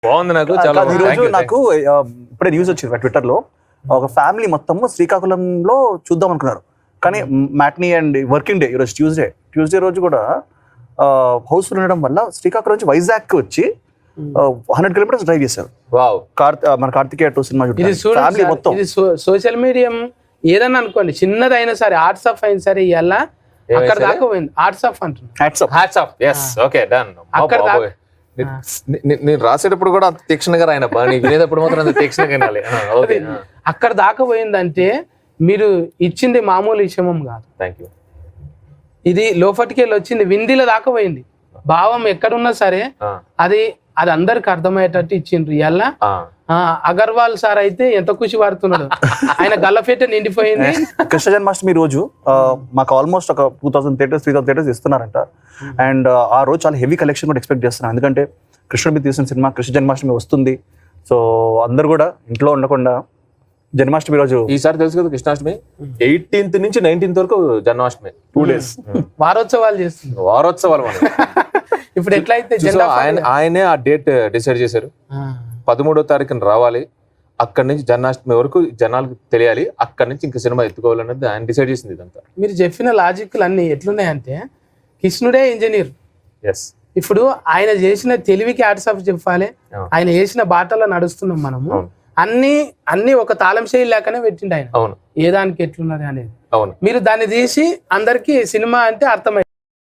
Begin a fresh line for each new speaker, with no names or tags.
బాగుంది. నాకు చాలా
ఈ రోజు నాకు ఇప్పుడే న్యూస్ వచ్చింది ట్విట్టర్ లో, ఒక ఫ్యామిలీ మొత్తము శ్రీకాకుళంలో చూద్దాం అనుకున్నారు, కానీ మ్యాట్నీ అండ్ వర్కింగ్ డే ఈరోజు ట్యూస్డే రోజు కూడా హౌస్ఫుల్ ఉండడం వల్ల శ్రీకాకుళం నుంచి వైజాగ్ వచ్చి 100 కిలోమీటర్స్ డ్రైవ్ చేశారు.
వావ్.
మన కార్తికేయ 2 సినిమా
ఇది
ఫ్యామిలీ మొత్తం.
ఇది సోషల్ మీడియా ఏదన్నా అనుకోండి, చిన్నదైనా సరే, ఆర్ట్స్ ఆఫ్ అయినా సరే, ఇలా అక్కడ దాకా పోయింది. ఆర్ట్స్ ఆఫ్ అంటున్నా,
hats off. yes okay done.
అక్కడ దాకా
నేను రాసేటప్పుడు కూడా అంత తీక్షణంగా రాయన, నీకు వినేటప్పుడు మాత్రం అంత తీక్షణంగా వినాలి. ఓకే,
అక్కడ దాకా పోయిందంటే మీరు ఇచ్చింది మామూలు విషయం కాదు.
Thank you.
ఇది లోపటికెళ్ళి వచ్చింది, విందిల దాకా పోయింది. భావం ఎక్కడున్నా సరే అది అందరికి అర్థమయ్యేటట్టు ఇచ్చిండ్రు. ఇలా అగర్వాల్ సార్ అయితే ఎంత ఖుషి పడుతున్నాడు, ఆయన గల్లఫేట నిండిపోయింది.
కృష్ణ జన్మాష్టమి రోజు మాకు ఆల్మోస్ట్ ఒక 2000 థియేటర్స్ 3000 థియేటర్స్ ఇస్తున్నారంట. అండ్ ఆ రోజు చాలా హెవీ కలెక్షన్ కూడా ఎక్స్పెక్ట్ చేస్తున్నాను, ఎందుకంటే కృష్ణుడి మీద తీసిన సినిమా కృష్ణ జన్మాష్టమి వస్తుంది. సో అందరు కూడా ఇంట్లో ఉండకుండా జన్మాష్టమి రోజు,
ఈసారి తెలుసు కదా కృష్ణాష్టమి 18th నుంచి 19th వరకు జన్మాష్టమి, 2 days
వారోత్సవాలు చేస్తున్నారు.
వారోత్సవాలు మనం
ఇప్పుడు ఎట్లయితే
ఆయనే ఆ డేట్ డిసైడ్ చేశారు. 13వ తారీఖున రావాలి, అక్కడి నుంచి జన్మాష్టమి వరకు జనాలకు తెలియాలి, అక్కడి నుంచి ఇంకా సినిమా ఎత్తుకోవాలన్నది ఆయన డిసైడ్ చేసింది. ఇదంతా
మీరు చెప్పిన లాజిక్లు అన్ని ఎట్లున్నాయంటే, కృష్ణుడే ఇంజనీర్.
ఎస్,
ఇప్పుడు ఆయన చేసిన తెలివికి హ్యాట్స్ ఆఫ్ చెప్పాలి, ఆయన చేసిన బాటలో నడుస్తున్నాం మనము. అన్ని ఒక తాళం చేయి లేకనే పెట్టిండు ఆయన.
అవును,
ఏ దానికి ఎట్లున్నది అనేది.
అవును,
మీరు దాన్ని తీసి అందరికి సినిమా అంటే అర్థమైంది.